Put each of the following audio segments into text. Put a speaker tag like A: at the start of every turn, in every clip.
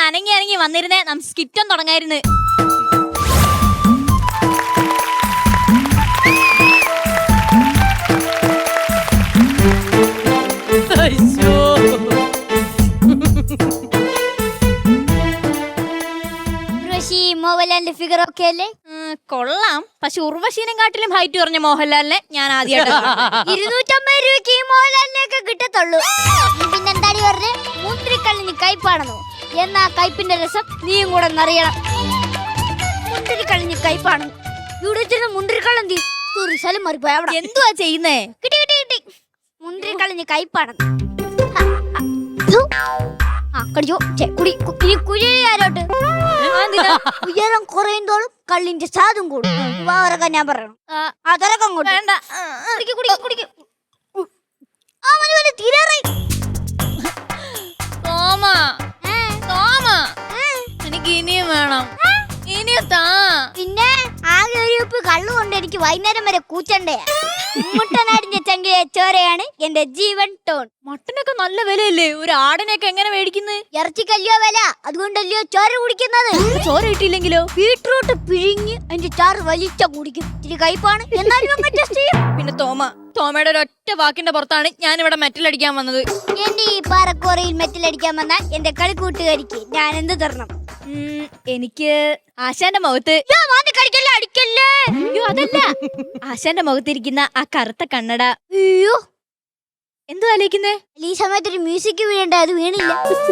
A: അനങ്ങി അനങ്ങി വന്നിരുന്നേ, നമുക്ക് സ്കിറ്റം തുടങ്ങായിരുന്നു.
B: മോഹൻലാലിന്റെ ഫിഗർ ഒക്കെ അല്ലേ?
A: കൊള്ളാം. പക്ഷെ ഉർവശീനം കാട്ടിലും ഹൈറ്റ് കുറഞ്ഞ മോഹൻലാലിനെ ഞാൻ ആദ്യമായിട്ട്
B: 250 രൂപയ്ക്ക് ഈ മോഹൻലാലിനെയൊക്കെ കിട്ടത്തുള്ളൂ. പിന്നെന്താടി പറഞ്ഞ് മുന്തിരിക്കള്ളിന് കയ്പാണെന്നോ? എന്നാ കയ്പിന്റെ രസം നീയും കൂടെ അറിയണം. മുന്തിരിക്കള്ളിന് കയ്പാണ്. ഇവിടെ മുന്തിരിക്കള്ളി സ്ഥലം മാറിപ്പോയ അവിടെ
A: എന്തുവാ ചെയ്യുന്നേ?
B: കിട്ടി കിട്ടി കിട്ടി. മുന്തിരിക്കള്ളിന് കയ്പാണെന്ന്. ഉയരം കുറയുന്തോളും കള്ളിന്റെ സ്വാദും കൂടും. വേറെ ഞാൻ പറയണം. അതരക്കം കൊണ്ട് വേണ്ട.
A: എനിക്ക് ഇനിയും വേണം. ഇനിയും താ.
B: പിന്നെ ആകെ ഒരു ഉപ്പ് കള്ളു കൊണ്ട് എനിക്ക് വൈകുന്നേരം വരെ കൂച്ചണ്ടേ. മുട്ടനാടിന്റെ ചങ്കിലെ ചോരയാണ് എന്റെ ജീവൻ ടോൺ.
A: മട്ടനൊക്കെ നല്ല വിലയല്ലേ? ഒരു ആടിനൊക്കെ എങ്ങനെ മേടിക്കുന്നത്?
B: ഇറച്ചിക്കല്ലയോ വില, അതുകൊണ്ടല്ലയോ ചോര കുടിക്കുന്നത്.
A: ചോര കിട്ടിയില്ലെങ്കിലോ?
B: ബീട്രൂട്ട് പിഴിഞ്ഞ് അതിന്റെ ചാറ് വലിച്ച കുടിക്കും. ഇത്തിരി കയ്പാണ്, എന്നാലും ടെസ്റ്റ് ചെയ്യും.
A: പിന്നെ തോമയുടെ ഒരൊറ്റ വാക്കിന്റെ പുറത്താണ് ഞാൻ ഇവിടെ മെറ്റലടിക്കാൻ വന്നത്.
B: എന്റെ ഈ പാറക്കോറയിൽ മെറ്റലടിക്കാൻ വന്ന എന്റെ കളിക്കൂട്ടുകാരിക്ക് ഞാൻ എന്ത് തരണം?
A: എനിക്ക് ആശാന്റെ മുഖത്ത്
B: അടിക്കല്ലേ.
A: അയ്യോ അതല്ല, ആശാന്റെ മുഖത്തിരിക്കുന്ന ആ കറുത്ത കണ്ണട.
B: അയ്യോ
A: എന്തു ആലോചിക്കുന്നേ?
B: ഈ സമയത്ത് ഒരു മ്യൂസിക് വീഴണ്ട, അത് വീണില്ല.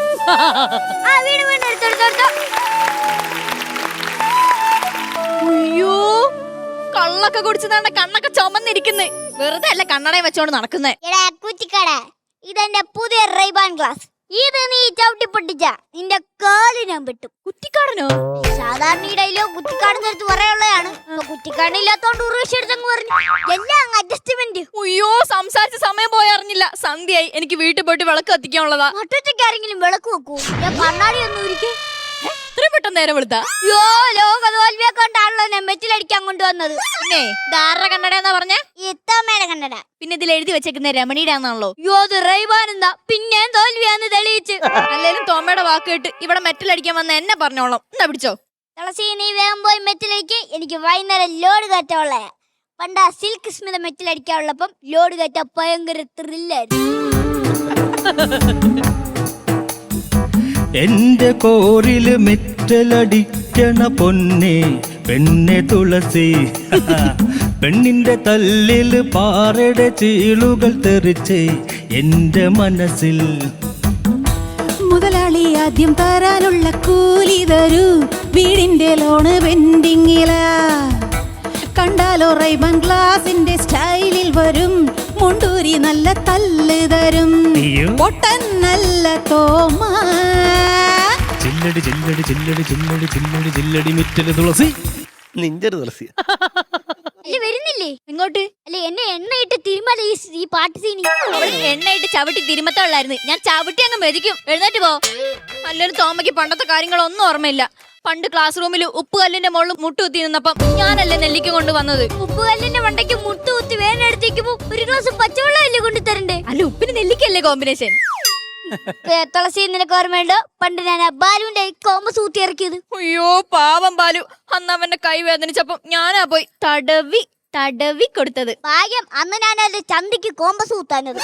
A: അയ്യോ കള്ളൊക്കെ കുടിച്ചതാണ്ട കണ്ണൊക്കെ ചുമന്നിരിക്കുന്നേ. വെറുതെ അല്ല കണ്ണടയും വെച്ചോണ്ട് നടക്കുന്നേ.
B: ഇതെന്റെ പുതിയ റൈബാൻ ഗ്ലാസ്. ഇത് നീ ചവിട്ടി പൊട്ടിച്ച നിന്റെ കാല് ഞാൻ വെട്ടും.
A: കുറ്റിക്കാടനോ?
B: സാധാരണ ഇടയിലോ കുറ്റിക്കാടിന്റെ അടുത്ത് പറയുള്ളതാണ്. കുറ്റിക്കാടില്ലാത്തോണ്ട് ഉറവശി എടുത്തങ്ങ് പറഞ്ഞു. എല്ലാം അഡ്ജസ്റ്റ്മെന്റ്.
A: അയ്യോ സംസാരിച്ച സമയം പോയി അറിഞ്ഞില്ല. സന്ധ്യയായി. എനിക്ക് വീട്ടിൽ പോയിട്ട് വിളക്ക് കത്തിക്കാനുള്ളതാ.
B: മറ്റൊറ്റയ്ക്ക് ആരെങ്കിലും വിളക്ക് വെക്കൂ. ഞാൻ കണ്ണാടി ഒന്നും ഇരിക്കും.
A: ഇത്രയും പെട്ടെന്ന് നേരം വെളുത്താ?
B: യോ ലോക തോൽവിയെ കൊണ്ടാണല്ലോ ഞാൻ മെറ്റിലടിക്കാൻ കൊണ്ടുവന്നത്.
A: പിന്നെ ഇതാരുടെ കണ്ണടയാന്നാ പറഞ്ഞ?
B: ഇത്തമ്മയുടെ കണ്ണട.
A: പിന്നെ ഇതിൽ എഴുതി വെച്ചേക്കുന്ന രമണിയുടെ ആണല്ലോ.
B: യോ അത് റൈബാൻ എന്താ പിന്നെ തോൽവിയാന്ന് തെളിയിച്ച്.
A: അല്ലേലും തോമയുടെ വാക്ക് കേട്ട് ഇവിടെ മെറ്റലടിക്കാൻ വന്ന എന്നെ പറഞ്ഞോളാം. എന്താ പിടിച്ചോ?
B: തുളസി നീ വേഗം പോയി മെറ്റിലടിക്ക്. എനിക്ക് വൈകുന്നേരം ലോഡ് കയറ്റമുള്ള. പണ്ട് ആ സിൽക്ക് സ്മിത മെറ്റിലടിക്കാനുള്ളപ്പം ലോഡ് കയറ്റ ഭയങ്കര ത്രില്ലായിരുന്നു.
C: എന്റെ കോറില് മെറ്റലടിക്കണ പൊന്നെ പെണ്ണെ തുളസി. പെണ്ണിന്റെ തല്ലില് പാറയുടെ ചീളുകൾ തെറിച്ച് എന്റെ മനസ്സിൽ.
D: മുതലാളി ആദ്യം തരാനുള്ള കൂലി തരൂ, വീടിന്റെ ലോണ് പെൻഡിങ്ങില. കണ്ടാലോ റൈബാൻ ഗ്ലാസിന്റെ സ്റ്റൈലിൽ വരും, മുണ്ടൂരി നല്ല തല്ല് തരും, പൊട്ടൻ നല്ല തോമ.
C: ചില്ലടി ചില്ലടി ചില്ലടി ചില്ലടി ചില്ലടി ചില്ലടി മിറ്റല് തുളസി. നിന്റെ തുളസി
B: അല്ലെ വരുന്നില്ലേ
A: ഇങ്ങോട്ട്?
B: അല്ലെ എന്നെ എണ്ണയിട്ട് തിരുമല ഈ പാട്ട് സീനി.
A: എണ്ണയിട്ട് ചവിട്ടി തിരുമത്തുള്ളായിരുന്നു. ഞാൻ ചവിട്ടി അങ്ങ് മെതിക്കും. എഴുന്നേറ്റ് പോ. അല്ലൊരു തോമയ്ക്ക് പണ്ടത്തെ കാര്യങ്ങളൊന്നും ഓർമ്മയില്ല. പണ്ട് ക്ലാസ് റൂമിൽ ഉപ്പുകല്ലിന്റെ മുകളിൽ മുട്ടുകുത്തി നിന്നപ്പം ഞാനല്ലേ നെല്ലിക്ക കൊണ്ട് വന്നത്.
B: ഉപ്പുകല്ലിന്റെ മണ്ടയ്ക്ക് മുട്ടുകുത്തി വേനെടുത്തേക്കുമ്പോ ഒരു ഗ്ലാസ് പച്ചവെള്ളം അല്ലേ കൊണ്ട് തരണ്ടേ?
A: അല്ല ഉപ്പിന് നെല്ലിക്കല്ലേ കോമ്പിനേഷൻ?
B: തുളസി നിനക്ക് ഓർമ്മയുണ്ടോ പണ്ട് ഞാൻ ബാലുവിന്റെ കോമ്പസ് ഊത്തി ഇറക്കിയത്?
A: അയ്യോ പാവം ബാലു. അന്ന് അവന്റെ കൈ വേദനിച്ചപ്പം ഞാനാ പോയി തടവി തടവി കൊടുത്തത്.
B: ഭാഗ്യം അന്ന് ഞാൻ അതിന്റെ ചന്തിക്ക് കോമ്പസ് ഊത്താനത്.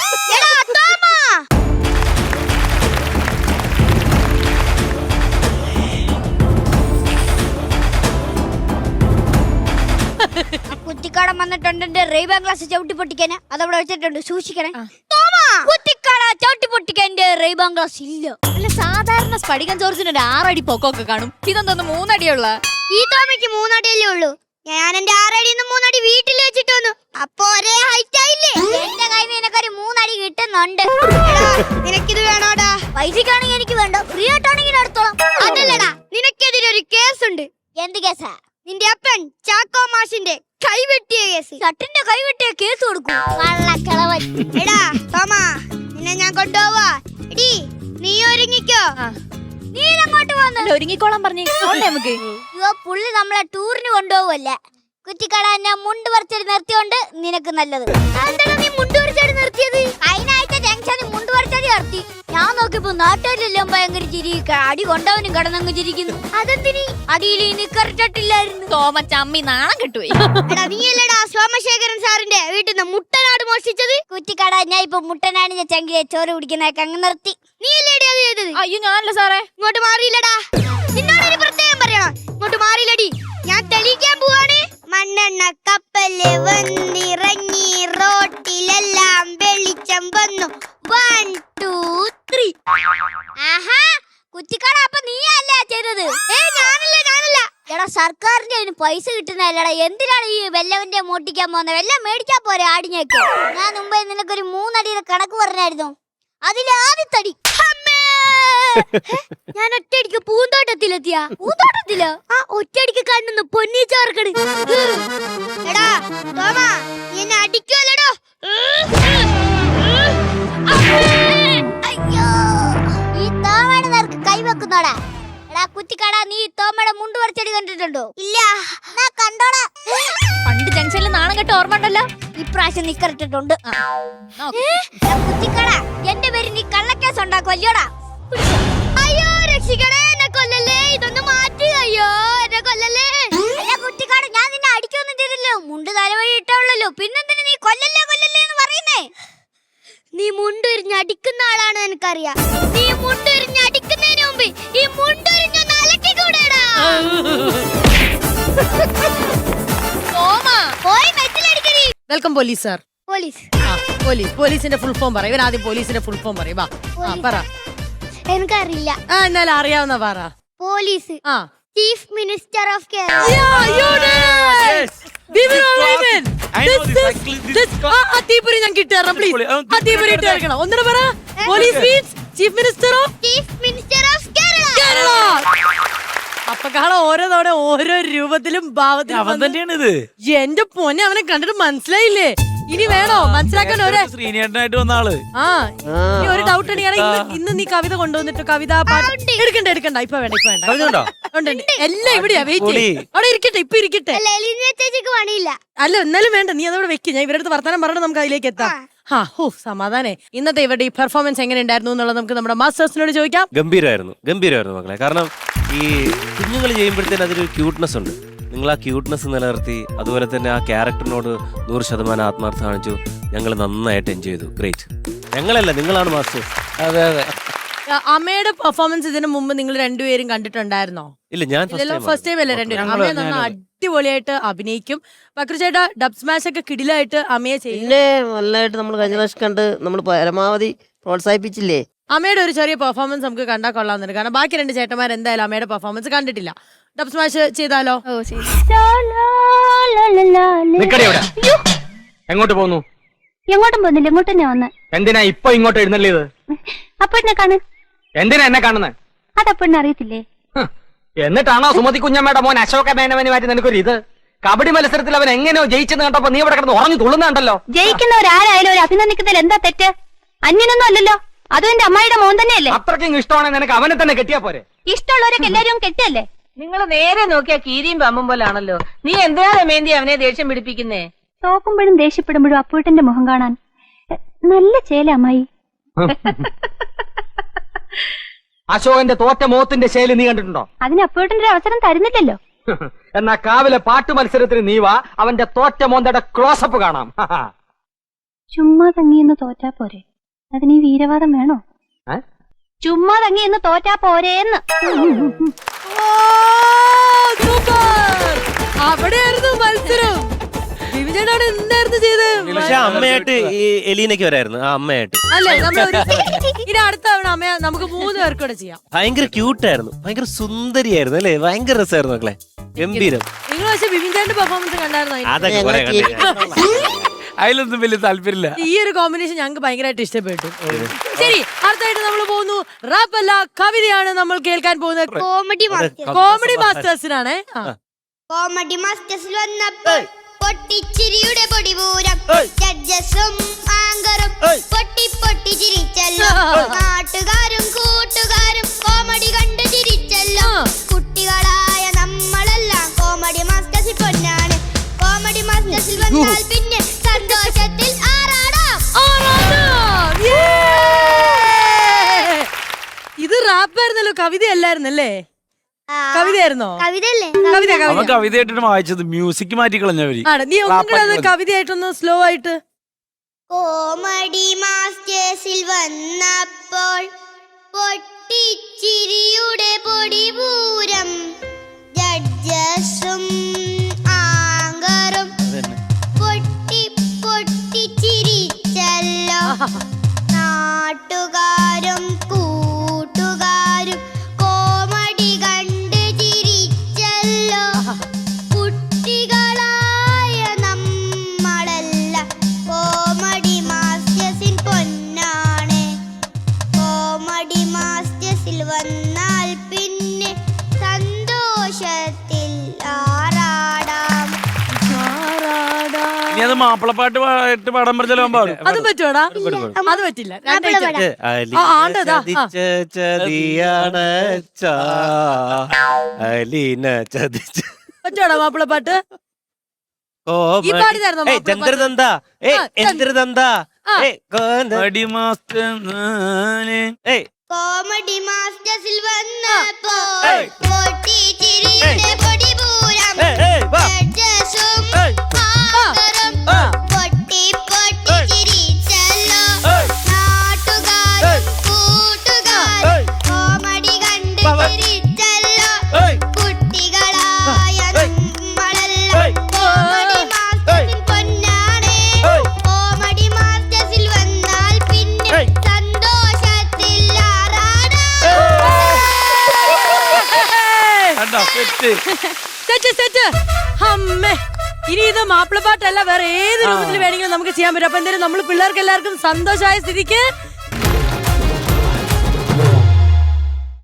B: കുറ്റിക്കാടൻ വന്നിട്ടുണ്ട് എന്റെ റൈബാൻ ഗ്ലാസ് ചവിട്ടി പൊട്ടിക്കാന്. അതവിടെ വെച്ചിട്ടുണ്ട്, സൂക്ഷിക്കണേ. കുറ്റിക്കാട ചവിട്ടി പൊട്ടിക്കാൻ എന്റെ റൈബാൻ ഗ്ലാസ് ഇല്ല.
A: അല്ല സാധാരണ സ്ഫടികം ചോർച്ചിന് ഒരു 6 അടി പൊക്കമൊക്കെ കാണും. ഇതെന്തോന്ന് 3 അടിയുള്ള?
B: ഈ തോമയ്ക്ക് 3 അടിയല്ലേ ഉള്ളൂ. ഞാൻ എന്റെ 6 അടിയിൽ നിന്ന് 3 അടി വീട്ടിൽ വെച്ചിട്ട് വന്നു. അപ്പൊ ഒരേ ഹൈറ്റ് ആയില്ലേ? എന്റെ കയ്യിൽ നിന്ന് നിനക്കൊരു 3 അടി കിട്ടുന്നുണ്ട്. നിനക്കിത് വേണോടാ? പൈസക്കാണെങ്കിൽ എനിക്ക് വേണ്ട, ഫ്രീ ആയിട്ടാണെങ്കിൽ എടുത്തോളാം. അതല്ലടാ, നിനക്കെതിരെ ഒരു കേസുണ്ട്. എന്ത് കേസാ? നിന്റെ അപ്പൻ ചാക്കോ മാഷിന്റെ കൈവെട്ടിയ കേസ്. ഷട്ടിന്റെ കൈവെട്ടിയ കേസ് കൊടുക്കും. എടാ തോമ, നിന്നെ ഞാൻ കൊണ്ടുപോവാ. എടി നീ ഒരുങ്ങിക്കോ. നീ അങ്ങോട്ട് വന്നു
A: ഒരുങ്ങിക്കോളാൻ പറഞ്ഞു നമുക്ക്.
B: പുള്ളി നമ്മളെ ടൂറിന് കൊണ്ടുപോവല്ലേ. കുറ്റിക്കട എന്നെ മുണ്ട് പറിച്ചടി നിർത്തിയോണ്ട് നിനക്ക് നല്ലത്. എന്താണ് നീ മുണ്ട് പറിച്ചടി നിർത്തിയത്? അതിനായിട്ട് ജംഗ്ഷനിൽ മുണ്ട് പറിച്ചടി നിർത്തി. ഞാൻ നോക്കിയപ്പോ നാട്ടുകാരെല്ലാം ഭയങ്കര ചിരി, അടി കൊണ്ടവനും കിടന്നങ്ങ് ചിരിക്കുന്നു. അതെന്തിനി? അടിയിൽ നിക്കറിട്ടില്ലായിരുന്നു.
A: തോമച്ചമ്മി നാണം കിട്ടുപോയി.
B: എടാ നീയല്ലടാ സോമശേഖരൻ സാറിന്റെ വീട്ടിൽ നിന്ന് മുട്ടനാട് മോഷ്ടിച്ചത്? കുറ്റിക്കട ഞാൻ ഇപ്പൊ മുട്ടനാടിന്റെ ചങ്കിലെ ചോറ് കുടിക്കുന്നതൊക്കെ അങ്ങ് നിർത്തി. നീയല്ലേടി അത് ചെയ്തത്?
A: അയ്യോ ഞാനല്ല സാറേ.
B: ഇങ്ങോട്ട് മാറിയില്ലടാ. നിന്നോടൊരു പ്രത്യേകം പറയണം, ഇങ്ങോട്ട് മാറിയില്ലടി. ഞാൻ തെളിയിക്കാൻ പോവാണ്. മണ്ണെണ്ണ കപ്പല് വന്നിറങ്ങി, റോട്ടിലെല്ലാം വെളിച്ചം വന്നു. 1 2 3. ആഹാ, കുറ്റിക്കട അപ്പൊ നീയല്ലേ ചെയ്തത്? ഞാനല്ല. എടാ സർക്കാരിന്റെ അതിന് പൈസ കിട്ടുന്നല്ലടാ. എന്തിനാണ് ഈ വെല്ലവന്റെ മോട്ടിക്കാൻ പോകുന്നത്? വെല്ലം മേടിച്ചാ പോരെ ആടിഞ്ഞേക്ക്. ഞാൻ മുമ്പേ നിനക്കൊരു 3 അടിയുടെ കണക്ക് പറഞ്ഞായിരുന്നു. അതിലെ ആദ്യത്തടി ഞാൻ ഒറ്റയടിക്ക് പൂന്തോട്ടത്തിലെത്തിയ. പൂന്തോട്ടത്തിലോ? ആ ഒറ്റയടിക്ക് കണ്ണുന്നു പൊന്നി ചേർക്കണ്. എടാ തോമാ, എന്നെ അടിക്കുമല്ലോടോ. അയ്യോ, ഈ തോമയുടെ നേർക്ക് കൈവെക്കുന്നോടാ. എടാ കുറ്റിക്കട, നീ തോമയുടെ മുണ്ട് പറിച്ചടി കണ്ടിട്ടുണ്ടോ? ഇല്ല. കണ്ടോടാ.
A: പണ്ട് ജംഗ്ഷനിൽ നാണം കെട്ട ഓർമ്മ ഉണ്ടല്ലോ.
B: ഇപ്രാവശ്യം നിക്കറിട്ടിട്ടുണ്ട്. കുറ്റിക്കട, എന്റെ പേര് നീ കള്ളക്കേസ് ഉണ്ടാക്കുമല്ലോടാ. അയ്യോ രക്ഷിക്കണേ, എന്നെ കൊല്ലല്ലേ. ഇതൊന്ന് മാറ്റി. അയ്യോ എന്നെ കൊല്ലല്ലേ. അല്ല കുറ്റിക്കാട്, ഞാൻ നിന്നെ അടിക്കൊന്നും ചെയ്തില്ലല്ലോ. മുണ്ട് തലവഴി ഇട്ടുള്ളല്ലോ. പിന്നെന്തിനാ നീ കൊല്ലല്ലേ എന്ന് പറയുന്നേ? നീ മുണ്ടുരിഞ്ഞ് അടിക്കുന്ന ആളാണ് എനിക്കറിയാം. നീ മുണ്ടുരിഞ്ഞ് അടിക്കുന്നതിന് മുമ്പ് ഈ മുണ്ടുരിഞ്ഞൊന്ന് അലക്കിക്കൂടെടാ. പോയി മെറ്റിലടിക്കടി.
D: Welcome police sir.
B: പോലീസ്
D: പോലീസിന്റെ ഫുൾ ഫോം പറ. ഇവൻ ആദ്യം പോലീസിന്റെ ഫുൾ ഫോം പറയും. പറ.
B: എനിക്കറിയില്ല.
D: എന്നാലും അറിയാവുന്ന പറ.
B: Police chief minister of Kerala.
D: ഞാൻ കിട്ടാറ് പ്ലീസ്. ഒന്നിനു പറ. Police means chief minister of Kerala. അപ്പൊ കാണാൻ ഓരോ തവണ ഓരോ രൂപത്തിലും ഭാവത്തിലും. എന്റെ പൊന്നെ, അവനെ കണ്ടിട്ട് മനസ്സിലായില്ലേ? ഇനി വേണോ മനസ്സിലാക്കാൻ?
C: ശ്രീനേട്ടനായിട്ട് വന്ന ആള്.
D: ഇനി ഒരു ഡൗട്ട് ഉണ്ടെങ്കിൽ ഇന്ന് നീ കവിത കൊണ്ടുവന്നിട്ട് കവിത പാട്ട് എടുക്കണ്ട. ഇപ്പൊ വേണ്ട. എല്ലാം ഇവിടെയാ. വെയിറ്റ് അവിടെ ഇരിക്കട്ടെ. ഇപ്പൊ ഇരിക്കട്ടെ. അല്ല എന്നാലും വേണ്ട, നീ അതവിടെ വെക്ക്. ഞാൻ ഇവരുടെ വർത്തമാനം പറഞ്ഞിട്ട് നമുക്ക് അതിലേക്ക് എത്താം. സമാധാനേ. ഇന്നത്തെ ഇവരുടെ ഈ പെർഫോമൻസ് എങ്ങനെ ഉണ്ടായിരുന്നു എന്നുള്ളത് നമുക്ക് നമ്മുടെ മാസ്റ്റേഴ്സിനോട് ചോദിക്കാം.
C: ഗംഭീരമായിരുന്നു മക്കളെ. കാരണം ഈ കുഞ്ഞുങ്ങൾ ചെയ്യുമ്പോഴത്തേന് അതിലൊരു ക്യൂട്ട്നെസ് ഉണ്ട്. നിങ്ങൾ ആ ക്യൂട്ട്നെസ് നിലനിർത്തി, അതുപോലെ തന്നെ ആ ക്യാരക്ടറിനോട് 100% ആത്മാർത്ഥം കാണിച്ചു. ഞങ്ങൾ നന്നായിട്ട് എൻജോയ് ചെയ്തു. ഗ്രേറ്റ്. ഞങ്ങളല്ല, നിങ്ങളാണ് മാസ്റ്റേഴ്സ്. അതെ.
D: അമ്മയുടെ പെർഫോമൻസ് ഇതിനു മുമ്പ് നിങ്ങൾ രണ്ടുപേരും കണ്ടിട്ടുണ്ടായിരുന്നോ?
C: ഇല്ല, ഞാൻ
D: ഫസ്റ്റ് ടൈം അല്ലേ രണ്ടുപേരും. അമ്മയെ നന്നായി അടിപൊളിയായിട്ട് അഭിനയിക്കും. പക്രു ചേട്ടാ, ഡബ് സ്മാഷ് ഒക്കെ കിടിലായിട്ട് അമ്മയെ ചെയ്യില്ലേ?
E: നല്ലതായിട്ട് നമ്മൾ കഴിഞ്ഞ പ്രാവശ്യം കണ്ട് നമ്മൾ പരമാവധി പ്രോത്സാഹിപ്പിച്ചില്ലേ?
D: അമ്മയുടെ ഒരു ചെറിയ പെർഫോമൻസ് നമുക്ക് കണ്ടാൽ കൊള്ളാമെന്നുണ്ട്. കാരണം ബാക്കി 2 ചേട്ടന്മാർ എന്തായാലും അമ്മയുടെ പെർഫോമൻസ് കണ്ടിട്ടില്ല. ഡബ് സ്മാഷ് ചെയ്താലോ?
F: എങ്ങോട്ട് പോകുന്നു?
B: എങ്ങോട്ടും പോകുന്നില്ല, ഇങ്ങോട്ട് തന്നെ വന്ന്.
F: എന്തിനാ ഇപ്പൊ ഇങ്ങോട്ട് എഴുന്നള്ളിയത്?
B: അപ്പൊ എന്നെ കാണു.
F: എന്തിനാ എന്നെ കാണുന്നത്?
B: അതപ്പൊ അറിയത്തില്ലേ?
F: എന്നിട്ടാണോ സുമതി കുഞ്ഞമ്മയുടെ മോൻ അശോക മേനവന് മാറ്റി നിനക്കൊരു ഇത്? കബഡി മത്സരത്തിൽ അവൻ എങ്ങനെയോ ജയിച്ചെന്ന് കണ്ടപ്പോ നീ ഇവിടെ കിടന്ന് ഉറഞ്ഞു തുള്ളുന്നുണ്ടല്ലോ.
B: ജയിക്കുന്നവരാരായാലും ഒരു അഭിനന്ദിക്കുന്നതിൽ എന്താ തെറ്റ്? അന്യനൊന്നും അല്ലല്ലോ. അതും എന്റെ അമ്മായിയുടെ മോൻ തന്നെയല്ലേ.
F: അത്രയ്ക്കും ഇഷ്ടമാണെങ്കിൽ നിനക്ക് അവനെ തന്നെ കെട്ടിയാ പോരെ?
B: ഇഷ്ടമുള്ളവരൊക്കെ എല്ലാരും കെട്ടല്ലേ?
G: നിങ്ങൾ നേരെ നോക്കിയാ കീരിയും പമ്പും പോലാണല്ലോ. നീ എന്തിനാ രമേന്തി അവനെ ദേഷ്യം പിടിപ്പിക്കുന്നേ?
B: തോക്കുമ്പോഴും ദേഷ്യപ്പെടുമ്പോഴും അപ്പൂട്ടന്റെ മുഖം കാണാൻ നല്ല ചേല അമ്മായി.
F: അശോകന്റെ തോറ്റ മോത്തിന്റെ ശൈലി നീ കണ്ടിട്ടുണ്ടോ?
B: അതിന് അപ്പൂട്ടന്റെ അവസരം തരുന്നില്ലല്ലോ.
F: എന്നാ കാവിലെ പാട്ടു മത്സരത്തിന് നീ വാ, അവന്റെ തോറ്റ മോന്തയുടെ ക്ലോസപ്പ് കാണാം.
B: ചുമ്മാ തങ്ങിയെന്ന് തോറ്റാ പോരെ? അതിന് ഈ വീരവാദം വേണോ? ചുമ്മാ തങ്ങിയെന്ന് തോറ്റാ പോരേന്ന്.
D: അവിടെയായിരുന്നു മത്സരം. വിവിചേട്ടാണ് എന്തായിരുന്നു ചെയ്തത്?
C: പക്ഷെ അമ്മയായിട്ട് ഈ എലീനയ്ക്ക് വരായിരുന്നു. ആ അമ്മയായിട്ട്
D: അല്ലേ? ഇനി അടുത്ത തവണ അമ്മ നമുക്ക് 3 പേർക്കൂടെ ചെയ്യാം.
C: ഭയങ്കര ക്യൂട്ടായിരുന്നു, ഭയങ്കര സുന്ദരിയായിരുന്നു അല്ലേ? ഭയങ്കര രസമായിരുന്നു മക്കളെ. ഗംഭീരം.
D: നിങ്ങൾ പക്ഷെ വിവിചേട്ടന്റെ പെർഫോമൻസ് കണ്ടായിരുന്നോ?
C: അതൊക്കെ കുറെ അതിലൊന്നും വലിയ താല്പര്യമില്ല.
D: ഈ ഒരു കോമ്പിനേഷൻ ഞങ്ങൾക്ക് ഭയങ്കരമായിട്ട് ഇഷ്ടപ്പെട്ടു. ശരി, അടുത്തായിട്ട് നമ്മൾ പോകുന്നു. റാപ്പ് അല്ല, കവിതയാണ് നമ്മൾ കേൾക്കാൻ പോകുന്നത്. കോമഡി മാസ്റ്റേഴ്സിനാണ്.
B: കോമഡി മാസ്റ്റേഴ്സിൽ വന്നപ്പോൾ പൊട്ടിച്ചിരിയുടെ പൊടിപൂരം. ജഡ്ജസും ആങ്കറും പൊട്ടി പൊട്ടി ചിരിച്ചല്ലോ. നാട്ടുകാരും കൂട്ടുകാരും കോമഡി കണ്ട് ചിരിച്ചല്ലോ. കുട്ടികളായ നമ്മളെല്ലാം കോമഡി മാസ്റ്റേഴ്സിൽ പൊന്നാണ്.
D: എന്തോ കവിതയല്ലായിരുന്നല്ലേ?
B: ആ,
D: കവിതയായിരുന്നോ?
B: കവിതയല്ലേ?
D: കവിത
H: അവൻ
D: കവിത
H: കവിതയായിട്ടാണ് വായിച്ചത്, മ്യൂസിക് മാറ്റി കളഞ്ഞവര്.
D: ആണ്. നീ ഒന്നും കൂടെ അത് കവിതയായിട്ടൊന്ന് സ്ലോ ആയിട്ട്.
B: കോമഡി മാസ്റ്റേഴ്സിൽ വന്നപ്പോൾ പൊട്ടിച്ചിരിയുടെ പൊടിപൂരം, ജഡ്ജസും ആങ്കറും പൊട്ടി പൊട്ടിച്ചിരിച്ചല്ലോ. നാട്ടുകാരും കൂട്ടുകാരും കോമഡി കണ്ട് ചിരിച്ചല്ലോ. കുട്ടികളായ നമ്മളല്ല കോമഡി മാസ്റ്റേഴ്സിൻ പൊന്നാണ്. കോമഡി മാസ്റ്റേഴ്സിൽ വന്നാൽ പിന്നെ സന്തോഷത്തിൽ ആറാടാം.
H: ഇനി അത് മാപ്പിളപ്പാട്ട് പാട്ട് പാടാൻ പറഞ്ഞാലോ പാടും.
D: അത് പറ്റുവാടാ? അത് പറ്റില്ല. രണ്ടായിട്ട്. ആണ്ടതാ.
C: ചതിയാണ് അലീന ചതിച്ച
D: പറ്റുവാടാ മാപ്പിളപ്പാട്ട്? ഈ പാടി തരണോ മാപ്പിളപ്പാട്ട്?
C: ചന്ദ്രദന്ത ചന്ദ്രദന്ത
H: അടി മാസ്റ്റർ
B: കോമഡി മാസ്റ്റേഴ്സിൽ വന്നപ്പോൾ പൊട്ടിച്ചിരിയുടെ പൊടിപൂരം, ജഡ്ജസും ആങ്കറും പൊട്ടി പൊട്ടിച്ചിരിച്ചല്ലോ. നാട്ടുകാരും കൂട്ടുകാരും കോമഡി കണ്ട് ചിരിച്ചല്ലോ. കുട്ടികളായ നമ്മളല്ല കോമഡി മാസ്റ്റേഴ്സിൻ പൊന്നാണ്. കോമഡി മാസ്റ്റേഴ്സിൽ വന്നാൽ പിന്നെ സന്തോഷത്തിൽ
D: സെറ്റ്. അമ്മേ, ഇനി ഇത് മാപ്പിളപ്പാട്ടല്ല, വേറെ ഏത് രൂപത്തിൽ വേണമെങ്കിലും നമുക്ക് ചെയ്യാൻ പറ്റും. അപ്പൊ എന്തായാലും നമ്മൾ പിള്ളേർക്ക് എല്ലാവർക്കും സന്തോഷമായ സ്ഥിതിക്ക്